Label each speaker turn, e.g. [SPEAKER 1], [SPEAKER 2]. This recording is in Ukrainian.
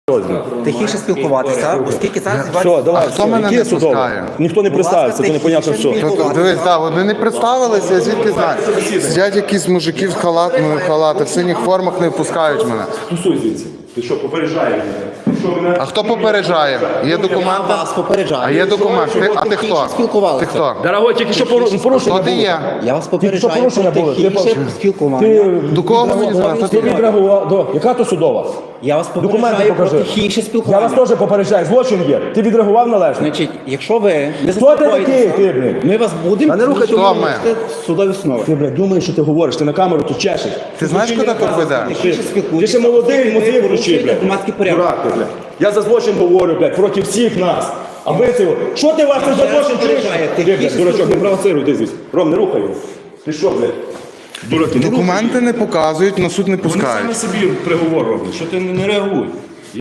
[SPEAKER 1] тихіше спілкуватися, оскільки зараз
[SPEAKER 2] Все, давай,
[SPEAKER 3] хто мене не пускає?
[SPEAKER 2] Ніхто не представиться, то непонятно що.
[SPEAKER 3] Дивись, так, вони не представилися, я звідки знаю. Сидять якісь мужики в халатах, в синіх формах не впускають мене.
[SPEAKER 2] Тусуй звідси. Ти що, попереджаєш мене?
[SPEAKER 3] А хто попереджає? Є документи?
[SPEAKER 1] Я вас попереджаю.
[SPEAKER 3] А є документи? А ти хто? Ти хто?
[SPEAKER 2] Дорогой, тільки що порушення
[SPEAKER 3] Хто ти є?
[SPEAKER 1] Я вас
[SPEAKER 2] Тільки що
[SPEAKER 1] попереджаю
[SPEAKER 2] порушення
[SPEAKER 1] про
[SPEAKER 2] було?
[SPEAKER 1] тихіше спілкування.
[SPEAKER 3] До кого мені звати?
[SPEAKER 2] Ти відреагував. Яка то судова?
[SPEAKER 1] Я вас
[SPEAKER 2] Документи
[SPEAKER 1] попереджаю про
[SPEAKER 2] покажи.
[SPEAKER 1] тихіше
[SPEAKER 2] Я
[SPEAKER 1] спілкування.
[SPEAKER 2] вас теж попереджаю, злочин є. Ти відреагував належно?
[SPEAKER 1] Значить, якщо ви не
[SPEAKER 2] Хто ти такий, ти, блін?
[SPEAKER 1] ми вас будемо
[SPEAKER 2] Та не рухай
[SPEAKER 3] Хто ми?
[SPEAKER 1] в судові основи.
[SPEAKER 2] Ти, блядь, думаєш, що ти говориш, ти на камеру тут чешеш.
[SPEAKER 3] Ти знаєш, куди тут ведеш?
[SPEAKER 1] Тихіше спілкуйтесь.
[SPEAKER 2] Ти ще молодий, мотив вручи,
[SPEAKER 1] порушуєте
[SPEAKER 2] блядь.
[SPEAKER 1] громадський порядок.
[SPEAKER 2] Дурак ти, блядь. Я за злочин говорю, блядь, проти всіх нас. А ви цього, що ти вас за злочин чуєш? Ти, блядь, дурачок, не провоцируй, ти звідси. Ром, не рухай його. Ти що, блядь? Дураки, не рухай.
[SPEAKER 3] Документи не показують, на суд не
[SPEAKER 2] Вони самі
[SPEAKER 3] пускають.
[SPEAKER 2] собі приговор роблять, що ти не реагуй.